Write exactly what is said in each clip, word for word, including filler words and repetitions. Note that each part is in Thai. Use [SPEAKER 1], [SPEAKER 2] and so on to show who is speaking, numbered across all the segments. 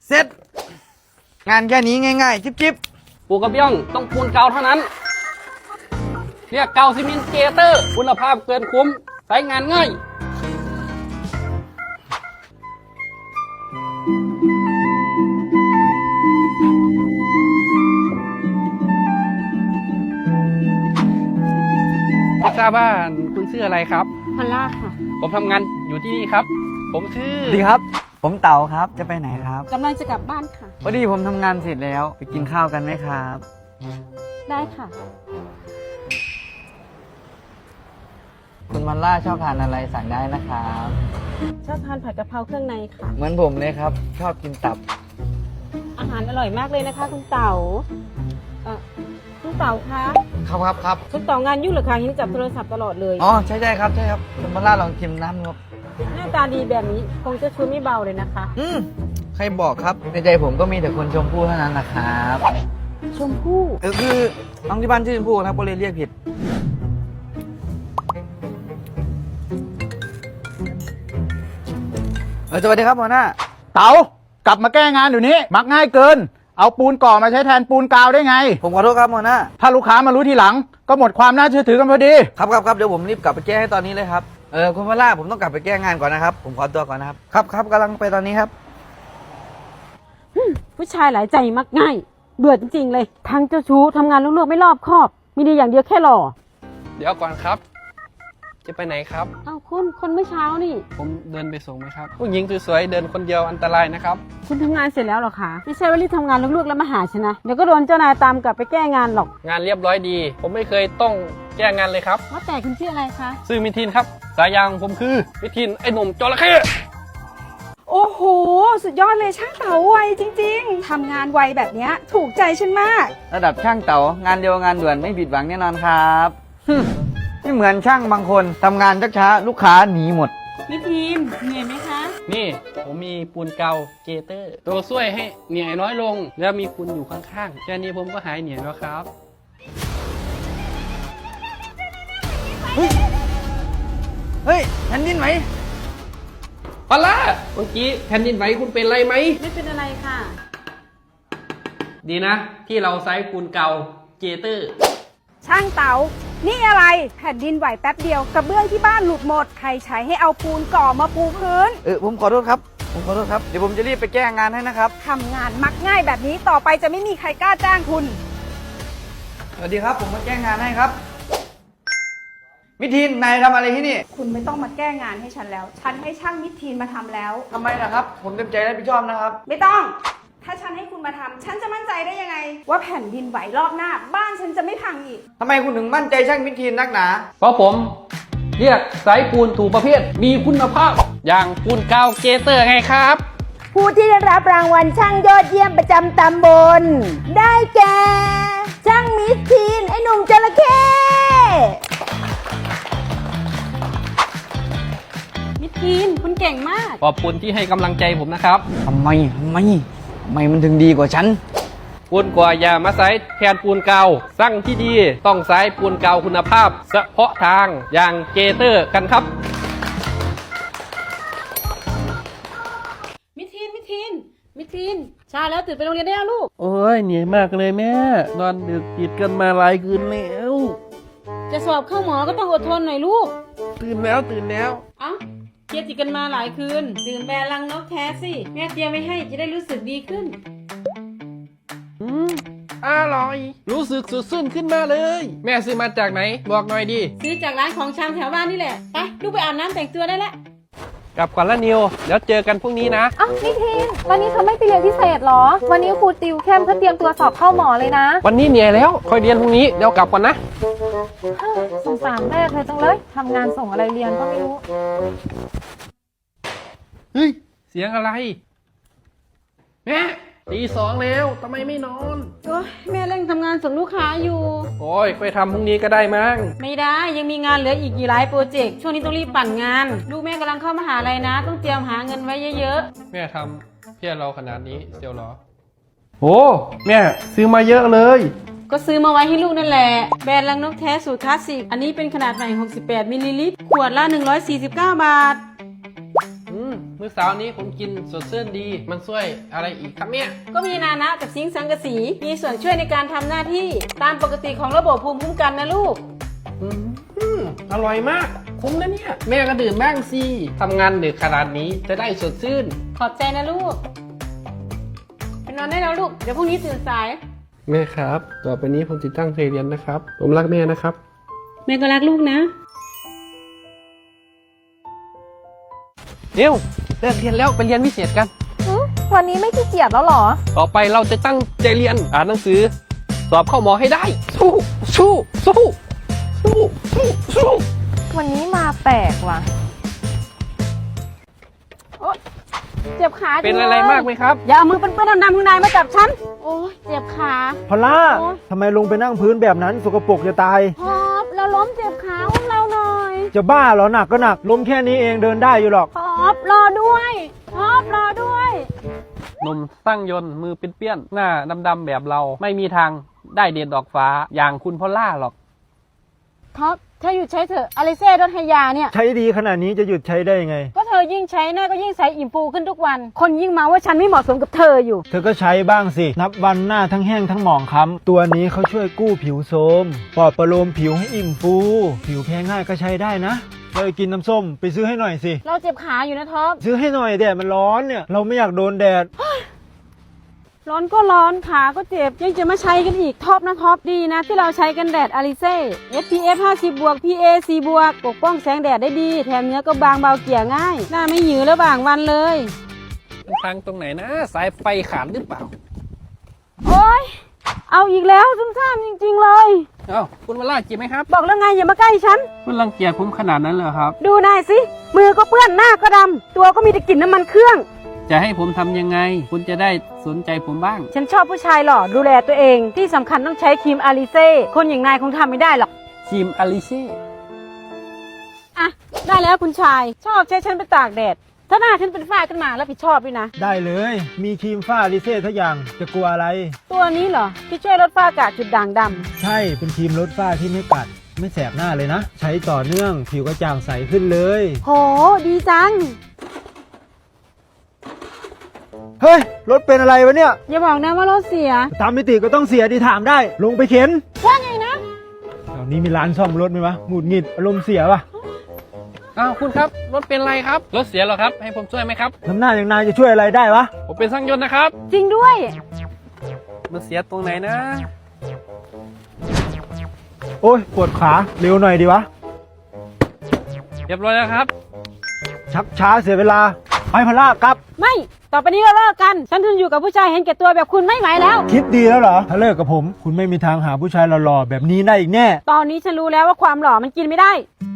[SPEAKER 1] เสร็จงานแค่นี้ง่ายๆจิ๊บ
[SPEAKER 2] ปูกระเบื้องต้องปูนเก่าเท่านั้นเรียกเก่าซีเมนต์เกเตอร์คุณภาพเกินคุ้มใช้งานง่ายไม่ทราบว่าคุณชื่ออะไรครับ
[SPEAKER 3] พอลล่าค่ะ
[SPEAKER 2] ผมทำงานอยู่ที่นี่ครับ ผมชื่อ
[SPEAKER 1] ๆดีครับ ผมเต๋าครับจะไปไหนครับ
[SPEAKER 3] กำลังจะกลับบ้านค่ะ
[SPEAKER 1] พอดีผมทำงานเสร็จแล้วไปกินข้าวกันไหมครับ
[SPEAKER 3] ได้ค่ะ
[SPEAKER 1] คุณมันล่าชอบทานอะไรสั่งได้นะครับ
[SPEAKER 3] ชอบทานผัดกะเพราเครื่องในค่ะ
[SPEAKER 1] เหมือนผมเลยครับ ชอบกินตับ
[SPEAKER 3] อาหารอร่อยมากเลยนะคะคุณเต๋าเอ่อคุณเต๋าคะ
[SPEAKER 1] ครับครับครับ
[SPEAKER 3] คุณเต๋างานยุ่งเหรือคะเห็นจับโทรศัพท์ตลอดเลย
[SPEAKER 1] อ๋อใช่ใช่ครับใช่ครับคุณมันล่าลองชิมน้ำครับ
[SPEAKER 3] หน้าตาดีแบบนี้คงจะชูไม่เบาเลยนะคะ
[SPEAKER 1] อืมใครบอกครับในใจผมก็มีแต่คนชมพู่เท่านั้นนะครับ
[SPEAKER 3] ชมพู่
[SPEAKER 1] เออคือน้องที่บ้านชื่อชมพู่ครับก็เลยเรียกผิดเออสวัสดีครับหัวหน้า
[SPEAKER 4] เต๋ากลับมาแก้งานเดี๋ยวนี้มักง่ายเกิน เอาปูนก่อมาใช้แทนปูนกาวได้ไง
[SPEAKER 1] ผมขอโทษครับหัวหน้า
[SPEAKER 4] ถ้าลูกค้ามารู้ทีหลัง ก็หมดความน่าเชื่อถือกันพอดี
[SPEAKER 1] ครับครับครับเดี๋ยวผมรีบกลับไปแก้ให้ตอนนี้เลยครับเออคุณพล่าผมต้องกลับไปแก้งานก่อนนะครับผมขอตัวก่อนนะครับครับครับกำลังไปตอนนี้ครับ
[SPEAKER 3] ผู้ชายหลายใจมักง่าย เบื่อจริงๆเลย ทั้งเจ้าชู้ทำงานลุ่กๆไม่รอบคอบ มีดีอย่างเดียวแค่หล่อ
[SPEAKER 2] เดี๋ยวก่อนครับ จะไปไหนครับ
[SPEAKER 3] อ้าวคุณคนเมื่อเช้านี่
[SPEAKER 2] ผมเดินไปส่งไหมครับ ผู้หญิงสวยๆเดินคนเดียวอันตรายนะครับ
[SPEAKER 3] คุณทำงานเสร็จแล้วเหรอคะ ไม่ใช่ว่ารีบทำงานลุ่กๆแล้วมาหาฉันนะ เดี๋ยวก็โดนเจ้านายตามกลับไปแก้งานหรอก
[SPEAKER 2] งานเรียบร้อยดี ผมไม่เคยต้องแก้งานเลยครับ
[SPEAKER 3] ว่าแต่คุณชื่ออะไรคะ
[SPEAKER 2] ซื่อมิทินครับ สายยางผมคือมิทินไอ้หนุ่มจระเข้
[SPEAKER 5] โอ้โห สุดยอดเลยช่างเต๋าไวจริงๆ ทำงานไวแบบเนี้ยถูกใจฉันมาก
[SPEAKER 1] ระดับช่างเต๋างานเดียวงานด่วนไม่ผิดหวังแน่นอนครับฮึ่มไม่เหมือนช่างบางคนทำงานช้าๆลูกค้าหนีหมด
[SPEAKER 3] มิทีมเหนื่อยไหมคะ
[SPEAKER 2] นี่ผมมีปูนเกาเกเตอร์ ตัวช่วยให้เหนื่อยน้อยลง แล้วมีคุณอยู่ข้างๆแค่นี้ผมก็หายเหนื่อยแล้วครับ
[SPEAKER 1] เฮ้ยแผ่นดินไหม
[SPEAKER 2] พอละเมื่อกี้แผ่นดินไหวคุณเป็นไรไหม
[SPEAKER 3] ไม่เป็นอะไรค่ะ
[SPEAKER 2] ดีนะ ที่เราใช้ปูนเกาเกเตอร์
[SPEAKER 5] ช่างเต๋า นี่อะไรแผ่นดินไหวแป๊บเดียวกระเบื้องที่บ้านหลุดหมด ใครใช้ให้เอาปูนก่อมาปูพื้น
[SPEAKER 1] เออผมขอโทษครับผมขอโทษครับเดี๋ยวผมจะรีบไปแก้งานให้นะครับ
[SPEAKER 5] ทำงานมักง่ายแบบนี้ต่อไปจะไม่มีใครกล้าจ้างคุณ
[SPEAKER 1] สวัสดีครับผมมาแก้งานให้ครับมิทินนายทำอะไรที่นี่
[SPEAKER 5] คุณไม่ต้องมาแก้งานให้ฉันแล้ว ฉันให้ช่างมิตรทีนมาทำแล้ว
[SPEAKER 1] ทำไมนะครับ ผมเต็มใจรับผิดชอบนะครับ
[SPEAKER 5] ไม่ต้อง ถ้าฉันให้คุณมาทำฉันจะมั่นใจได้ยังไง ว่าแผ่นดินไหวรอบหน้า บ้านฉันจะไม่พังอีก
[SPEAKER 1] ทำไมคุณถึงมั่นใจช่างมิทินนักหนา
[SPEAKER 2] เพราะผมเรียกสายปูนถูกประเภท มีคุณภาพ อย่างปูนเกาเกเตอร์ไงครับ
[SPEAKER 5] ผู้ที่ได้รับรางวัลช่างยอดเยี่ยมประจำตำบล ได้แก่ ช่างมิสทีน ไอ้หนุ่มจระเข้
[SPEAKER 3] มิทีมคุณเก่งมาก
[SPEAKER 2] ขอบคุณที่ให้กำลังใจผมนะครับ
[SPEAKER 1] ทำไมทำไมทำไมมันถึงดีกว่าฉัน
[SPEAKER 2] ปูนกว่าอย่ามาใช้แทนปูนเกาสร้างที่ดีต้องใช้ปูนเกาคุณภาพ เฉพาะทางอย่างเกเตอร์กันครับ
[SPEAKER 3] มิทีนมิทีนมิทีนเช้าแล้วตื่นไปโรงเรียนได้แล้วลูก
[SPEAKER 2] โอ้ยเหนื่อยมากเลยแม่ นอนดึกติดกันมาหลายคืนแล้ว
[SPEAKER 3] จะสอบเข้าหมอก็ต้องอดทนหน่อยลูก
[SPEAKER 2] ตื่นแล้วตื่นแล้ว
[SPEAKER 3] เอ้าเครียดติดกันมาหลายคืน ดื่มแบรนด์ลังนกแท้สิ แม่เตรียมไว้ให้จะได้รู้สึกดีขึ้น
[SPEAKER 2] อืมอร่อย รู้สึกสดชื่นขึ้นมาเลย แม่ซื้อมาจากไหน บอกหน่อยดิ
[SPEAKER 3] ซื้อจากร้านของชำแถวบ้านนี่แหละ ไปลูกไปอาบน้ำแต่งตัวได้แล้ว
[SPEAKER 2] กลับก่อนละนิวแล้วเจอกันพรุ่งนี้นะ
[SPEAKER 6] อ้าวนิทินวันนี้เธอไม่ไปเรียนพิเศษเหรอ วันนี้ครูติวเข้มเพื่อเตรียมตัวสอบเข้าหมอเลยนะ
[SPEAKER 2] วันนี้เหนื่อยแล้วค่อยเรียนพรุ่งนี้เดี๋ยวกลับก่อนนะ
[SPEAKER 6] เฮ้ยสงสารแม่เธอจังเลยทำงานส่งอะไรเรียนก็ไม่รู้
[SPEAKER 2] เฮ้ย เสียงอะไร แม่ตีสองแล้วทำไมไม่นอน
[SPEAKER 3] โอ้ยแม่เร่งทำงานส่งลูกค้าอยู่
[SPEAKER 2] โอ้ยไปทำพรุ่งนี้ก็ได้มั้ง
[SPEAKER 3] ไม่ได้ยังมีงานเหลืออีกกี่หลายโปรเจกต์ ช่วงนี้ต้องรีบปั่นงาน ลูกแม่กำลังเข้ามหาลัยนะ ต้องเตรียมหาเงินไว้เยอะ
[SPEAKER 2] แม่ทำเพื่อเราขนาดนี้เชียวเหรอโอ้แม่ซื้อมาเยอะเลย
[SPEAKER 3] ๆ ก็ซื้อมาไว้ให้ลูกนั่นแหละ แบรนด์ลังนกแท้สูตรคลาสสิก อันนี้เป็นขนาดใหม่หกสิบแปดมิลลิลิตร ขวดละหนึ่งร้อยสี่สิบเก้าบาท
[SPEAKER 2] อืมมมื้อเช้านี้ผมกินสดชื่นดี มันช่วยอะไรอีกครับเนี่ย
[SPEAKER 3] ก็มีนานะกับซิงค์สังกะสีมีส่วนช่วยในการทำหน้าที่ตามปกติของระบบภูมิคุ้มกันนะลูก
[SPEAKER 2] อืมอืมอร่อยมาก คุ้มนะเนี่ย แม่ก็ดื่มบ้างสิทำงานดึกขนาดนี้จะได้สดชื่น
[SPEAKER 3] ขอบใจนะลูกไปนอนได้แล้วลูกเดี๋ยวพรุ่งนี้ตื่นสาย
[SPEAKER 2] แม่ครับ ต่อไปนี้ผมจะตั้งใจเรียนนะครับ ผมรักแม่นะครับ
[SPEAKER 3] แม่ก็รักลูกนะ
[SPEAKER 2] เดี๋ยวเลิกเรียนแล้วไปเรียนพิเศษกัน
[SPEAKER 6] อืมวันนี้ไม่ขี้เกียจแล้วเหรอ
[SPEAKER 2] ต่อไปเราจะตั้งใจเรียนอ่านหนังสือ สอบเข้าหมอให้ได้ สู้สู้สู้สู้สู้สู้
[SPEAKER 6] วันนี้มาแปลกว่ะ
[SPEAKER 3] เจ็บขา
[SPEAKER 2] เป็น
[SPEAKER 3] จังลย
[SPEAKER 2] อะไรมากไหมครับ
[SPEAKER 3] อย่าเอามือเปื้อนๆดำๆข้างในมาจับฉัน โอ้ยเจ็บขา
[SPEAKER 7] พอลล่า
[SPEAKER 3] โอ๊ย
[SPEAKER 7] ทำไมลงไปนั่งพื้นแบบนั้นสกปรกจะตาย
[SPEAKER 3] พอบเราล้มเจ็บขาของเราหน่อย
[SPEAKER 7] จะบ้าเหรอหนักก็หนักล้มแค่นี้เองเดินได้อยู่หรอก
[SPEAKER 3] พอบรอด้วยพอบรอด้วย
[SPEAKER 2] หนุ่มสร้างยนต์มือเปี้ยนๆหน้าดำๆแบบเรา ไม่มีทางได้เด่นดอกฟ้าอย่างคุณพอลล่าหรอก
[SPEAKER 3] ท็อปเธอหยุดใช้เถอะอลิเซ่รถไฮยาเนี่ย
[SPEAKER 7] ใช้ดีขนาดนี้จะหยุดใช้ได้ยังไง
[SPEAKER 3] ก็เธอยิ่งใช้หน้าก็ยิ่งใสอิ่มฟูขึ้นทุกวัน คนยิ่งมาว่าฉันไม่เหมาะสมกับเธออยู่
[SPEAKER 7] เธอก็ใช้บ้างสิ นับวันหน้าทั้งแห้งทั้งหมองคล้ำตัวนี้เขาช่วยกู้ผิวโทรมปลอบประโลมผิวให้อิ่มฟู ผิวแพ้ง่ายก็ใช้ได้นะเลยกินน้ำส้มไปซื้อให้หน่อยสิ
[SPEAKER 3] เราเจ็บขาอยู่นะท็อป
[SPEAKER 7] ซื้อให้หน่อยแดดมันร้อนเนี่ยเราไม่อยากโดนแดด
[SPEAKER 3] ร้อนก็ร้อนขาก็เจ็บยังจะมาใช้กันอีกท็อปนะท็อปดีนะที่เราใช้กันแดดอลิเซ่ เอส พี เอฟ ห้าสิบ บวก พี เอ สี่ บวกปกป้องแสงแดดได้ดีแถมเนื้อก็บางเบาเกลี่ยง่ายหน้าไม่หยือระหว่างวันเลย
[SPEAKER 2] มันพังตรงไหนนะ สายไฟขาดหรือเปล่า
[SPEAKER 3] โอ๊ยเอาอีกแล้วซุ่มซ่ามจริงๆเลย
[SPEAKER 2] เอ้าคุณวอลล่าเจ็บไหมครับ
[SPEAKER 3] บอกแล้วไงอย่ามาใกล้ฉัน
[SPEAKER 2] คุณรังเกียจผมขนาดนั้นเลยครับ
[SPEAKER 3] ดูนายสิมือก็เปื้อนหน้าก็ดำตัวก็มีแต่กลิ่นน้ำมันเครื่อง
[SPEAKER 2] จะให้ผมทำยังไง คุณจะได้สนใจผมบ้าง
[SPEAKER 3] ฉันชอบผู้ชายหล่อดูแลตัวเองที่สำคัญต้องใช้ครีมอาลิเซ่คนอย่างนายคงทำไม่ได้หรอก
[SPEAKER 2] ครีมอลิเซ่
[SPEAKER 3] อ่ะได้แล้วคุณชายชอบใช้ฉันไปตากแดดถ้าหน้าฉันเป็นฝ้าขึ้นมาแล้วผิดชอบด้วยนะ
[SPEAKER 7] ได้เลยมีครีมฝ้าลิเซ่ทุกอย่างจะกลัวอะไร
[SPEAKER 3] ตัวนี้เหรอที่ช่วยลดฝ้ากระจุดด่างดำ
[SPEAKER 7] ใช่เป็นครีมลดฝ้าที่ไม่กัดไม่แสบหน้าเลยนะ ใช้ต่อเนื่องผิวกระจ่างใสขึ้นเลย
[SPEAKER 3] โหดีจัง
[SPEAKER 7] เฮ้ยรถเป็นอะไรวะเนี่ย
[SPEAKER 3] อย่าบอกนะว่ารถเสีย
[SPEAKER 7] ตามมิติก็ต้องเสียดีถามได้ ลงไปเข็น
[SPEAKER 3] ว่าไงนะ
[SPEAKER 7] แถวนี้มีร้านซ่อมรถไหมวะหงุดหงิดอารมณ์เสียปะ
[SPEAKER 2] อ้าวคุณครับรถเป็นไรครับรถเสียเหรอครับ ให้ผมช่วยไหมครับ
[SPEAKER 7] น้ำหน้าอย่างนายจะช่วยอะไรได้วะ
[SPEAKER 2] ผมเป็นช่างยนต์นะครับ
[SPEAKER 3] จริงด้วย
[SPEAKER 2] มันเสียตรงไหนนะ
[SPEAKER 7] โอ้ยปวดขาเร็วหน่อยดีวะ
[SPEAKER 2] เรียบร้อยแล้วครับ
[SPEAKER 7] ชักช้าเสียเวลาไปพล่ากลับ
[SPEAKER 3] ไม่ต่อไปนี้เราเลิกกันฉันทนอยู่กับผู้ชายเห็นแก่ตัวแบบคุณไม่ไหวแล้ว
[SPEAKER 7] คิดดีแล้วเหรอ ถ้าเลิกกับผม คุณไม่มีทางหาผู้ชายหล่อๆแบบนี้ได้อีกแน่
[SPEAKER 3] ตอนนี้ฉันรู้แล้วว่าความหล่อมันกินไม่ได้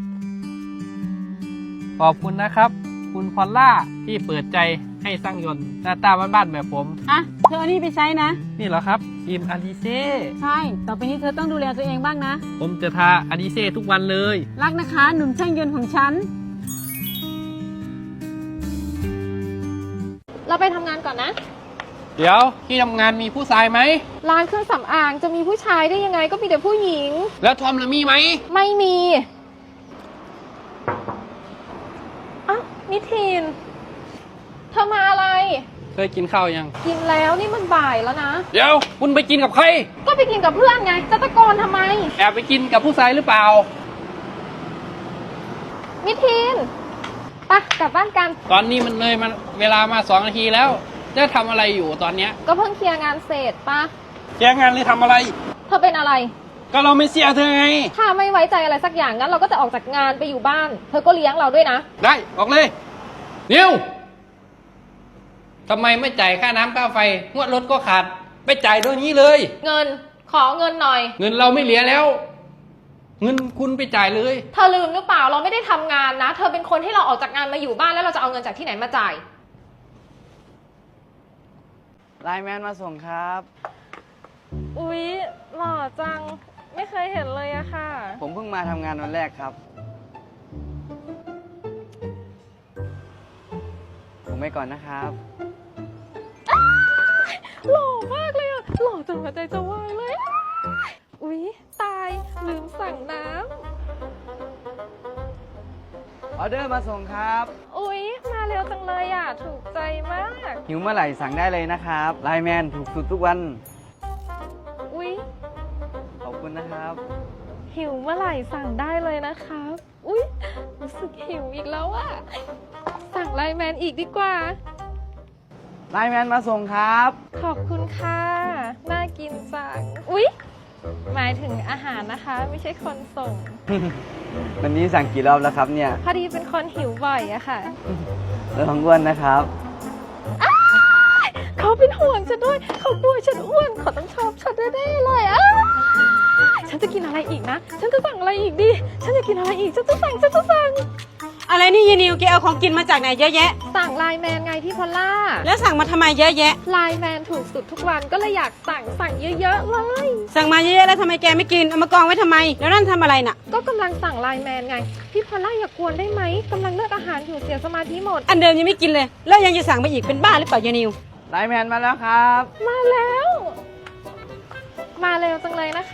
[SPEAKER 2] ขอบคุณนะครับ คุณพอลล่าที่เปิดใจให้ช่างยนต์หน้าตาบ้านๆแบบผม
[SPEAKER 3] อ่ะเธอเอานี่ไปใช้นะ
[SPEAKER 2] นี่เหรอครับครีมอลิเซ่
[SPEAKER 3] ใช่ต่อไปนี้เธอต้องดูแลตัวเองบ้างนะ
[SPEAKER 2] ผมจะทาอลิเซ่ทุกวันเลย
[SPEAKER 3] รักนะคะหนุ่มช่างยนต์ของฉัน
[SPEAKER 6] เราไปทำงานก่อนนะ
[SPEAKER 2] เดี๋ยวที่ทำงานมีผู้ชายไหม
[SPEAKER 6] ร้านเครื่องสำอางจะมีผู้ชายได้ยังไงก็มีแต่ผู้หญิง
[SPEAKER 2] แล้วทอมล่ะมีไหม
[SPEAKER 6] ไม่มีอ้าวนิทินเธอมาอะไร
[SPEAKER 2] เคยกินข้าวยัง
[SPEAKER 6] กินแล้วนี่มันบ่ายแล้วนะ
[SPEAKER 2] เดี๋ยวคุณไปกินกับใคร
[SPEAKER 6] ก็ไปกินกับเพื่อนไง จะตะโกนทำไม
[SPEAKER 2] แอบไปกินกับผู้ชายหรือเปล่า
[SPEAKER 6] นิทินไปกลับบ้านกัน
[SPEAKER 2] ตอนนี้มันเลยมันเวลามาสองนาทีแล้ว จะทำอะไรอยู่ตอนเนี้ย
[SPEAKER 6] ก็เพิ่งเคลียร์งานเสร็จปะ
[SPEAKER 2] แจ้งงานหรือทำอะไร
[SPEAKER 6] เธอเป็นอะไร
[SPEAKER 2] ก็เราไม่เสียเธอไง
[SPEAKER 6] ถ้าไม่ไว้ใจอะไรสักอย่างงั้นเราก็จะออกจากงานไปอยู่บ้าน เธอก็เลี้ยงเราด้วยนะ
[SPEAKER 2] ได้ออกเลยนิวทำไมไม่จ่ายค่าน้ำค่าไฟงวดรถก็ขาดไปจ่ายด้วยนี้เลย
[SPEAKER 6] เงินขอเงินหน่อย
[SPEAKER 2] เงินเราไม่เหลือแล้ว เงินคุณไปจ่ายเลย
[SPEAKER 6] เธอลืมหรือเปล่าเราไม่ได้ทำงานนะ เธอเป็นคนที่เราออกจากงานมาอยู่บ้านแล้วเราจะเอาเงินจากที่ไหนมาจ่าย
[SPEAKER 1] ไลน์แมนมาส่งครับ
[SPEAKER 6] อุ๊ยหล่อจังไม่เคยเห็นเลยอะค่ะ
[SPEAKER 1] ผมเพิ่งมาทำงานวันแรกครับ ผมไปก่อนนะครับ
[SPEAKER 6] หล่อมากเลยอะหล่อจนหัวใจจะวายเลย อุ๊ยตายลืมสั่งน้
[SPEAKER 1] ออเดอร์มาส่งครับ
[SPEAKER 6] ำอุ๊ยมาเร็วจังเลยอ่ะ ถูกใจมาก
[SPEAKER 1] หิวเมื่อไหร่สั่งได้เลยนะครับไลน์แมนถูกสุดทุกวัน
[SPEAKER 6] อุ๊ย
[SPEAKER 1] ขอบคุณนะครับ
[SPEAKER 6] หิวเมื่อไหร่สั่งได้เลยนะครับ อุ๊ย รู้สึกหิวอีกแล้วอะสั่งไลน์แมนอีกดีกว่า
[SPEAKER 1] ไลน์แมนมาส่งครับ
[SPEAKER 6] ขอบคุณค่ะ น่ากินจัง อุ๊ย หมายถึงอาหารนะคะ ไม่ใช่คนส่ง
[SPEAKER 1] วันนี้สั่งกี่รอบแล้วครับเนี่ย
[SPEAKER 6] พอดีเป็นคนหิวบ่อยอะค่ะ
[SPEAKER 1] แล้วของอ้วนนะครับ
[SPEAKER 6] เขาเป็นห่วงฉันด้วย เขากลัวฉันอ้วน เขาต้องชอบฉันแน่ๆเลยอ้าวฉันจะกินอะไรอีกนะ ฉันจะสั่งอะไรอีกดี ฉันจะกินอะไรอีก ฉันจะสั่ง ฉันจะสั่ง
[SPEAKER 3] อะไรนี่ยายนิวแกเอาของกินมาจากไหนเยอะแยะ
[SPEAKER 6] สั่งไลน์แมนไงพี่พอลล่า
[SPEAKER 3] แล้วสั่งมาทำไมเยอะแยะ
[SPEAKER 6] ไลน์แมนถูกสุดทุกวันก็เลยอยากสั่งสั่งเยอะๆเลย
[SPEAKER 3] สั่งมาเยอะๆแล้วทำไมแกไม่กิน เอามากองไว้ทำไม แล้วนั่นทำอะไรน่ะ
[SPEAKER 6] ก็กำลังสั่งไลน์แมนไง พี่พอลล่าอย่ากวนได้ไหมกำลังเลือกอาหารอยู่เสียสมาธิหมด
[SPEAKER 3] อันเดิมยังไม่กินเลย แล้วยังจะสั่งมาอีกเป็นบ้าหรือเปล่ายายนิว
[SPEAKER 1] ไลน์แมนมาแล้วครับ
[SPEAKER 6] มาแล้ว มาเร็วจังเลยนะคะ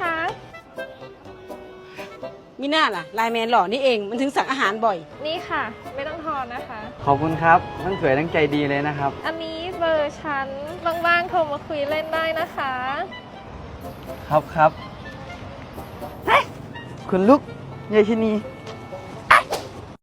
[SPEAKER 3] มีหน้าล่ะไลน์แมนหล่อนี่เองมันถึงสั่งอาหารบ่อย
[SPEAKER 6] นี่ค่ะ ไม่ต้องทอนนะคะ
[SPEAKER 1] ขอบคุณครับทั้งสวยทั้งใจดีเลยนะครับ
[SPEAKER 6] อันนี้เบอร์ฉันว่างๆโทรมาคุยเล่นได้นะคะ
[SPEAKER 1] ครับครับเฮ้ยคุณลูกยายชนี